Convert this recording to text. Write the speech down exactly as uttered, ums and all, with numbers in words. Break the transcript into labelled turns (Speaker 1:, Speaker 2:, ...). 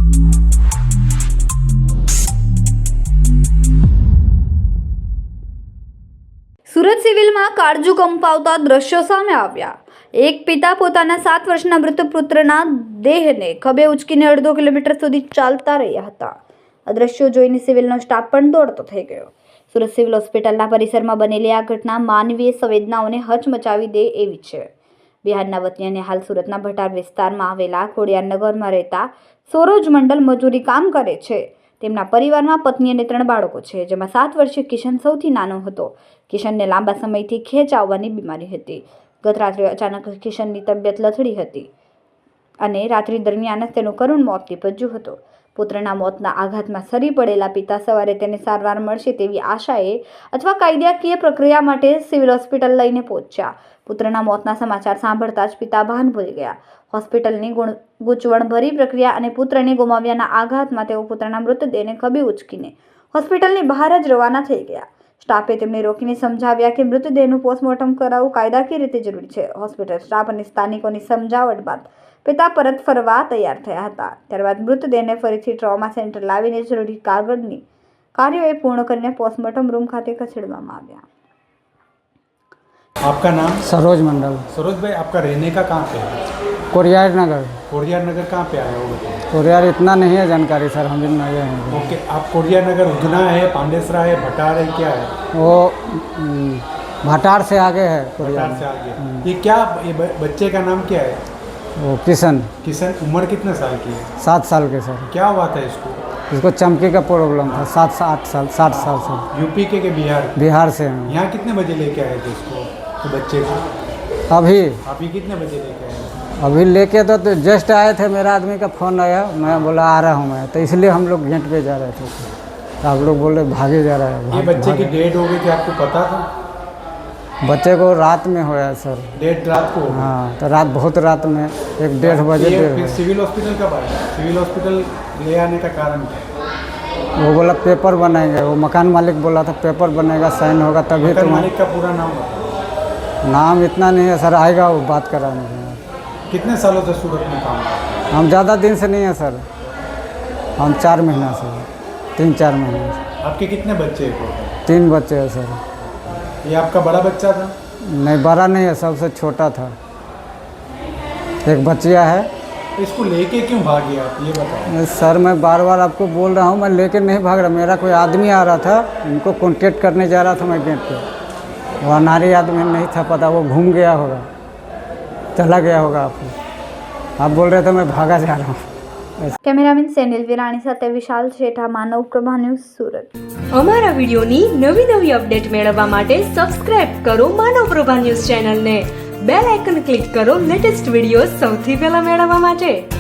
Speaker 1: સુરત સિવિલમાં કાળજુ કંપાવતા દ્રશ્યો સામે આવ્યા। એક પિતા પોતાના સાત વર્ષના મૃત પુત્રના દેહને ખભે ઉચકીને અડધો કિલોમીટર સુધી ચાલતા રહ્યા હતા। આ દ્રશ્યો જોઈને સિવિલનો સ્ટાફ પણ દોડતો થઈ ગયો। સુરત સિવિલ હોસ્પિટલના પરિસરમાં બનેલી આ ઘટના માનવીય સંવેદનાઓને હચમચાવી દે એવી છે। બિહારના વતની અને હાલ સુરતના ભટાર વિસ્તારમાં આવેલા ખોડિયારનગરમાં રહેતા સરોજ મંડલ મજૂરી કામ કરે છે। તેમના પરિવારમાં પત્ની અને ત્રણ બાળકો છે, જેમાં સાત વર્ષીય કિશન સૌથી નાનો હતો। કિશનને લાંબા સમયથી ખેંચ આવવાની બીમારી હતી। ગત રાત્રે અચાનક કિશનની તબિયત લથડી હતી અને રાત્રિ દરમિયાન જ તેનું કરુણ મોત નીપજ્યું હતું। પુત્રના મોતના આઘાતમાં સરી પડેલા પિતા સવારે તેને સારવાર મળશે તેવી આશાએ અથવા કાયદાકીય પ્રક્રિયા માટે સિવિલ હોસ્પિટલ લઈને પહોંચ્યા। પુત્રના મોતના સમાચાર સાંભળતા જ પિતા ભાન ભૂલી ગયા। હોસ્પિટલની ગૂંચવણભરી પ્રક્રિયા અને પુત્રને ગુમાવ્યાના આઘાતમાં તેઓ પુત્રના મૃતદેહને ખભે ઉચકીને હોસ્પિટલની બહાર જ રવાના થઈ ગયા। સ્ટાફે તેમને રોકીને સમજાવ્યા કે મૃતદેહનું પોસ્ટમોર્ટમ કરાવવું કાયદાકીય રીતે જરૂરી છે। હોસ્પિટલ સ્ટાફ અને સ્થાનિકોની સમજાવટ બાદ પિતા પરત ફરવા તૈયાર થયા હતા। ત્યારબાદ મૃતદેહને ફરીથી ટ્રોમા સેન્ટર લાવીને જરૂરી કાગળની કાર્યોએ પૂર્ણ કરીને પોસ્ટમોર્ટમ रूम खाते खसेड़वामां આવ્યા।
Speaker 2: आपका नाम?
Speaker 3: सरोज मंडल।
Speaker 2: सरोज भाई, आपका रहने का कहाँ पे है?
Speaker 3: कोरियार नगर।
Speaker 2: कोरियार नगर कहाँ पे आया हो?
Speaker 3: कोरियार इतना नहीं है जानकारी सर, हम भी नए हैं।
Speaker 2: ओके, आप कोरियार नगर उधना है, पांडेसरा है, भटार है, क्या है?
Speaker 3: वो भटार से आगे है कोरियार
Speaker 2: भटार से आगे। ये क्या, ये बच्चे का नाम क्या है?
Speaker 3: वो किशन।
Speaker 2: किशन, उम्र कितने साल की है?
Speaker 3: सात साल के सर।
Speaker 2: क्या हुआ था इसको?
Speaker 3: इसको चमकी का प्रॉब्लम था। सात आठ साल साठ साल से।
Speaker 2: यूपी के के बिहार?
Speaker 3: बिहार से हैं।
Speaker 2: यहाँ कितने बजे लेके आए थे इसको, तो बच्चे को?
Speaker 3: अभी
Speaker 2: अभी कितने बजे लेके आए?
Speaker 3: अभी लेके तो, तो जस्ट आए थे, मेरा आदमी का फ़ोन आया, मैं बोला आ रहा हूँ मैं, तो इसलिए हम लोग गेट पे जा रहे थे तो आप लोग बोले भागे जा रहा है।
Speaker 2: ये बच्चे की डेट हो गई थी, आपको पता था?
Speaker 3: बच्चे को रात में होया सर।
Speaker 2: डेट रात को?
Speaker 3: हाँ, तो रात बहुत रात में एक डेढ़ बजे
Speaker 2: फिर सिविल हॉस्पिटल कब आया? सिविल हॉस्पिटल ले आने का कारण क्या?
Speaker 3: वो बोला पेपर बनाएंगे, वो मकान मालिक बोला था पेपर बनेगा, साइन होगा तभी।
Speaker 2: मकान
Speaker 3: तो
Speaker 2: मालिक का पूरा नाम बताओ।
Speaker 3: नाम इतना नहीं है सर, आएगा वो बात कराने।
Speaker 2: कितने सालों से सूरत में काम?
Speaker 3: हम ज़्यादा दिन से नहीं है सर, हम चार महीना से, तीन चार महीने से।
Speaker 2: आपके कितने बच्चे हैं?
Speaker 3: तीन बच्चे हैं सर।
Speaker 2: ये आपका बड़ा बच्चा था?
Speaker 3: नहीं, बड़ा नहीं है, सबसे छोटा था। एक बच्चिया है।
Speaker 2: इसको लेके क्यों भागे आप, ये बताओ।
Speaker 3: सर मैं बार बार आपको बोल रहा हूँ, मैं लेके नहीं भाग रहा। मेरा कोई आदमी आ रहा था, उनको कॉन्टेक्ट करने जा रहा था मैं गेट पे। वो अनारी आदमी नहीं था पता, वो घूम गया होगा, चला गया होगा। आपको आप बोल रहे थे मैं भागा जा रहा हूँ।
Speaker 1: કેમેરામેન સેનિલ વિરાણી સાથે વિશાલ શેઠા, માનવ પ્રભા ન્યૂઝ, સુરત।
Speaker 4: અમારા વિડીયોની નવી નવી અપડેટ મેળવવા માટે સબસ્ક્રાઇબ કરો માનવ પ્રભા ન્યૂઝ ચેનલને, બેલ આઇકન ક્લિક કરો લેટેસ્ટ વિડીયો સૌથી પહેલા મેળવવા માટે।